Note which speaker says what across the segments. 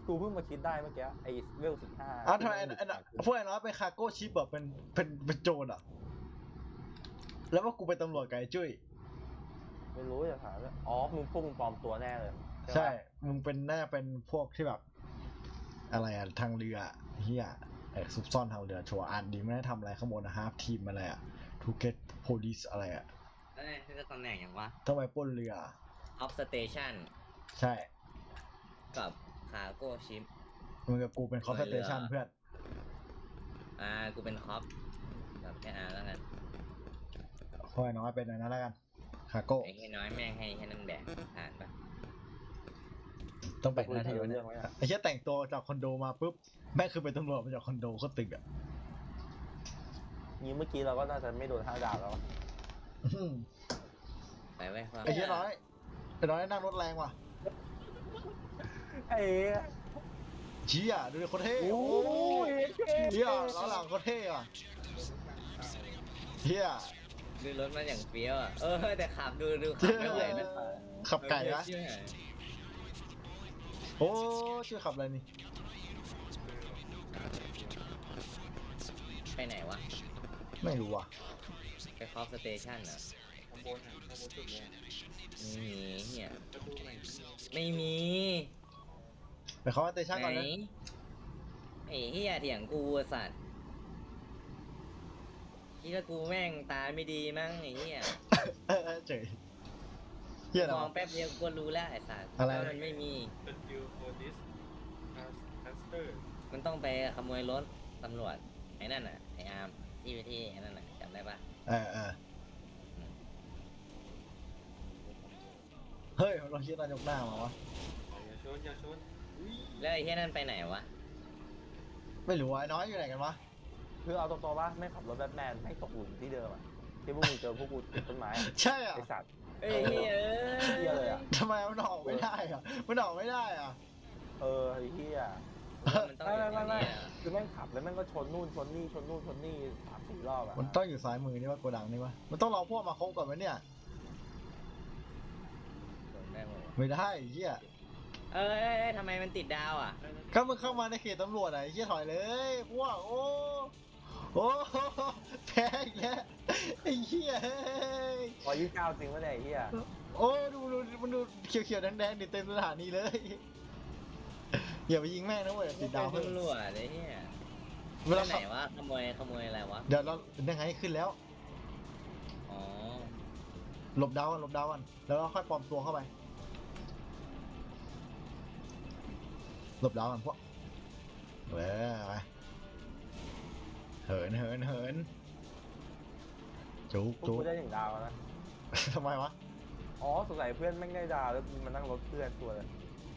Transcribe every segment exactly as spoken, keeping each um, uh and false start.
Speaker 1: กูเพิ่งมาคิดได้เมื่อกี้ไอ้เวลสิบห้า
Speaker 2: อ้าวทำไมพวกไอ้น้อยเป็นคาร์โก้ชิปแบบเป็นเป็นเป็นโจรอ่ะแล้วว่ากูเป็นตำรวจกับไอ้จุ้ย
Speaker 1: ไม่รู้จะถามว่าอ๋อมึงพวกมึงปลอมตัวแน่เลย
Speaker 2: ใช่มึงเป็นน่าเป็นพวกที่แบบอะไรอะทางเรือเฮียไอ้ซุกซ่อนทางเรือชัวร์อ่านดีไม่ได้ทำอะไรข้างบนนะฮาร์ฟทีมอะไรอะทูเกตโพลิสอะไรอะ
Speaker 3: เอ้ยนี่ก็ตำแหน่งอย่างวะ
Speaker 2: ต้องไปปล้นเรือ
Speaker 3: Off Station
Speaker 2: ใช่
Speaker 3: กับ Cargo Ship
Speaker 2: มึงกับกูเป็นคอสเตชันเพื่อน
Speaker 3: อ่ากูเป็นคอปกับแค่อาแล้วกัน
Speaker 2: พอไอ้น้อยเป็นอะไรนั่นแล้วกันคาโก้
Speaker 3: ไอ้แค่น้อยแม่งให้แค่นั้นแดกผ่านปะ
Speaker 2: ต้องแบ่งหน้าที่เรื่องไว้ไอ้แค่แต่งตัวจากคอนโดมาปุ๊บแม่งคือเป็นตำรวจมาจากคอนโดก็ตึกอ่ะ
Speaker 1: นี้เมื่อกี้เราก็น่าจะไม่โดนห้าดาวแล้ว
Speaker 3: ไปไว้
Speaker 2: ไอ้แค่น้อยไอ้น้อยนั่งรถแรงว่ะ
Speaker 1: ไอ้
Speaker 2: เชี่ยดูดิโคตรเท่โอ้ยเชี่ยล้อหลังโคตรเท่ว่ะเชี่ย
Speaker 3: ดูรถมันอย่างเฟี้ยวอ่ะเออแต่ขับดูดูขับไม่ไหวนะ
Speaker 2: ขับไก่นะโอ้ชื่อขับอะไรนี่
Speaker 3: ไปไหนวะ
Speaker 2: ไม่รู้ว่ะ
Speaker 3: ไปคอฟสเตชันอ่ะ
Speaker 1: ข้างบนข้างบนสุดเลย
Speaker 3: ไม่มีเหี้ยไม่มี
Speaker 2: ไปคอฟสเตชันก่อนนะ
Speaker 3: ไอ้เหี้ยเถียงกูสัตว์คิดว่ากูแม่งตาไม่ดีมั้งไอ้เหี้ย
Speaker 2: เออเจ๋ยเหี้ยม
Speaker 3: องแป๊บเดียวกูรู้แล้วไอ้สัตว์
Speaker 2: อะไร
Speaker 3: มันไม่มีมันต้องไปขโมยรถตำรวจไอ้นั่นน่ะไอ้อาร์มที่ไปที่ไอ้นั่นน่ะจำได้ปะ
Speaker 2: เออเออเฮ้ยเราคิดนายกหน้ามาวะ
Speaker 1: อย่าชนอย่าชน
Speaker 3: แล้วไอ้เหี้ยนั่นไปไหนวะ
Speaker 2: ไม่รู้ไอ้น้อยอยู่ไหนกันวะ
Speaker 1: คือเอาตรงๆว่าไม่ขับรถแบทแมนไม่ตกหลุมที่เดิมอ่ะที่พวกมึงเจอพวกกูติดต้นไม้
Speaker 2: ใช่อ่ะ
Speaker 1: ไอสัตว์
Speaker 3: เอ้ยเฮ้
Speaker 1: ยเลยอ่ะ
Speaker 2: ทำไมมันออกไม่ได้อ่ะมันออกไม่ได้อ่ะ
Speaker 1: เออไอ้เหี้ย
Speaker 3: มันต้องไม่ไม่ไม่
Speaker 1: คือแม่งขับแล้วแม่งก็ชนนู่นชนนี่ชนนู่นชนนี่สามสี่รอบอ่ะ
Speaker 2: มันต้องอยู่ซ้ายมือนี่ว่าโกดังนี่วะมันต้องรอพวกมาคบก่อนไหมเนี่ยไม่ได้เหี้ย
Speaker 3: เอ้ยทำไมมันติดดาวอ่ะ
Speaker 2: ก็มึงเข้ามาในเขตตำรวจอ่ะเหี้ยถอยเลยพวกโอ้โอ้แพ้อีกแล้วไอ้เหี้ย
Speaker 1: พอยี่สิบเก้าจริงวะเนี่ยไอ้เหี้ย
Speaker 2: โอ้ดูดูมันดูเขียวๆแดงๆดิเต็มสถานีเลยอย่าไปยิงแม่งนะเว้ยติดดาว
Speaker 3: เพิ่งรั่วเลยเหี้ยเวลาไหนวะขโมยขโมยอะไรวะ
Speaker 2: เดี๋ยวเรายังไงขึ้นแล้ว
Speaker 3: อ๋อ
Speaker 2: หลบดาวกันหลบดาวกันแล้วเราค่อยปลอมตัวเข้าไปหลบดาวกันพวกเว้ยไปเหินเหินเหินจุกจุก
Speaker 1: ได้ถึงดาวนะ
Speaker 2: ทำไมวะ
Speaker 1: อ๋อสงสัยเพื่อนแม่งได้ดาวแล้วมันนั่งรถเพื่อนตัวเลย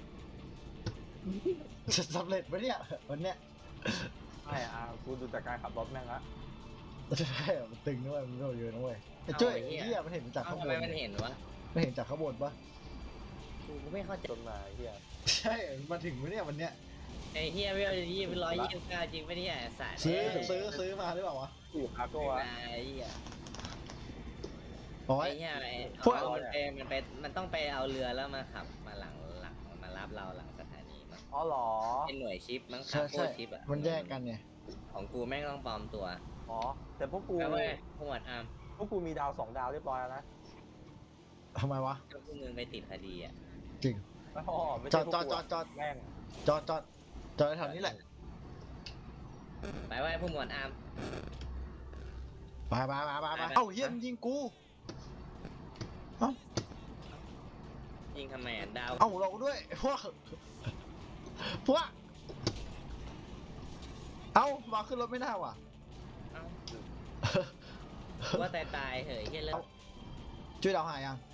Speaker 2: จะสำเร็จไหมเนี่ยวันเนี้ย
Speaker 1: ใช่อ่ะกูดูจากการขับรถแม่งละ
Speaker 2: ใช่มันตึงด้วยมันเยอะนะเว้ยไอ้จ้อยไอ้เหี้ยมันเห็นจากข้างบน
Speaker 3: ทำไมมันเห็นวะ
Speaker 2: มันเห็นจากข้างบนปะ
Speaker 3: กูไม่เข้าใจ
Speaker 1: จนมาเหี้ย
Speaker 2: ใช่มาถึงไหมเนี่ยวันเนี้ย
Speaker 3: ไอ้เฮียไม่เอายี่เป็นร้อยยี่สิบเก้าจริงปะเนี่ยสาย
Speaker 2: ซื้อซื้อซื้อมาหรือเปล่าวะ
Speaker 1: อยู่คาโก้
Speaker 3: อะไอ้เฮีย
Speaker 2: โอ้ย
Speaker 3: ไอ้เฮียไอ้พวกมันไปมันไปมันต้องไปเอาเรือแล้วมาขับมาหลังหลังมารับเราหลังสถานีมั้ง
Speaker 1: อ๋อหรอ
Speaker 3: เป็นหน่วยชิปมั้งคาโก้ชิปอ่ะ
Speaker 2: มันแยกกันไง
Speaker 3: ของกูแม่งต้องปลอมตัว
Speaker 1: อ๋อแต่พวกกู
Speaker 3: พวกหมวดอาร์ม
Speaker 1: พวกกูมีดาวสองดาวเรียบร้อยแล้วนะ
Speaker 2: ทำไมวะ
Speaker 3: ก็พวกมึงไปติดคดีอ่ะ
Speaker 2: จริงจอดจอดจอดจอด
Speaker 1: แม่ง
Speaker 2: จอดจอดจอดแถวนี้แหละ
Speaker 3: ไปไว้พวกหมวดอาร์ม
Speaker 2: ไปไปไปไปไปเอ้าเยี่ยมยิงกูเอ้า
Speaker 3: ยิงทำไมอ่ะดาว
Speaker 2: เอ้าเราด้วยพวกพวกเอ้ามาขึ้นรถไม่ได้ว่ะ
Speaker 3: เอ้าว่าตายตายเหยแค่เลิก
Speaker 2: ช่วยดาวหายยัง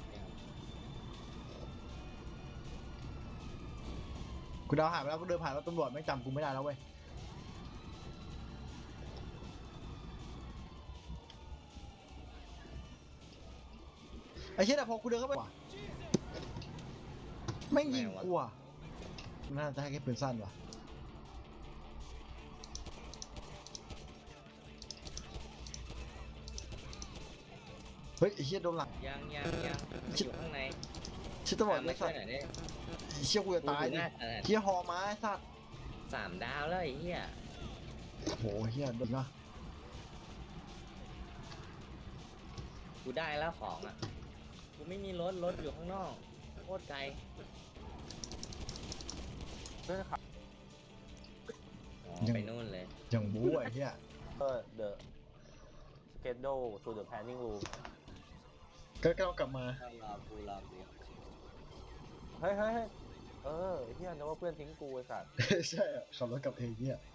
Speaker 2: กูดาวหายไปแล้วกูเดินผ่านรถตำรวจไม่จำกูไม่ได้แล้วเว้ยไอ้เชี่ยแต่พอกูเดินเข้าไปไม่ยิงกูอ่ะน่าจะให้แค่ปืนสั้นว่ะเฮ้ยไอ้เชี่ยโดนหลัง
Speaker 3: ยังยังยังอยู่ข้างใน
Speaker 2: ชิดตำรวจ
Speaker 3: ไม่ใช่ไหนเนี่ย
Speaker 2: เชี่ยกูจะตาย
Speaker 3: กู
Speaker 2: ดิ
Speaker 3: หน้าขนาด
Speaker 2: เชี่ยหอมาไอ้สัตว์
Speaker 3: สามดาวแล้วไอ้เหี้ย
Speaker 2: โหเฮียดีวะ
Speaker 3: กูได้แล้วของอ่ะกูไม่มีรถรถอยู่ข้างนอกโคตรไกล
Speaker 1: เพื่อนขับ
Speaker 3: อ๋อไปนู่นเลย
Speaker 2: อย่างบู๊ไอ้เฮีย
Speaker 1: เออ the schedule to the planning room
Speaker 2: ก็ก็กลับมา
Speaker 3: รอกูรอกู
Speaker 1: เฮ้ยเฮ้ยเฮ้ยเออไอ้เฮียนึกว่าเพื่อนทิ้งกูไอ้สัตว์
Speaker 2: ใช่อะขับรถกลับเองเฮีย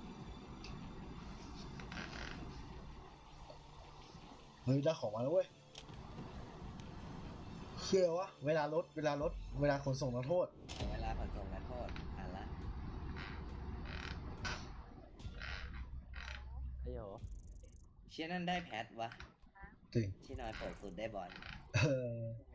Speaker 2: เฮ้ยได้ของมาแล้วเว้ยเชื่อวะเวลารถเวลารถเวลาขนส่งนักโทษ
Speaker 3: เวลาขนส่งนักโทษอ่านละ
Speaker 1: ไอ้โห
Speaker 3: เชี่ยนั่นได้แพทวะ
Speaker 2: จริง
Speaker 3: ที่นอยเปิดสุดได้บอล
Speaker 2: เออ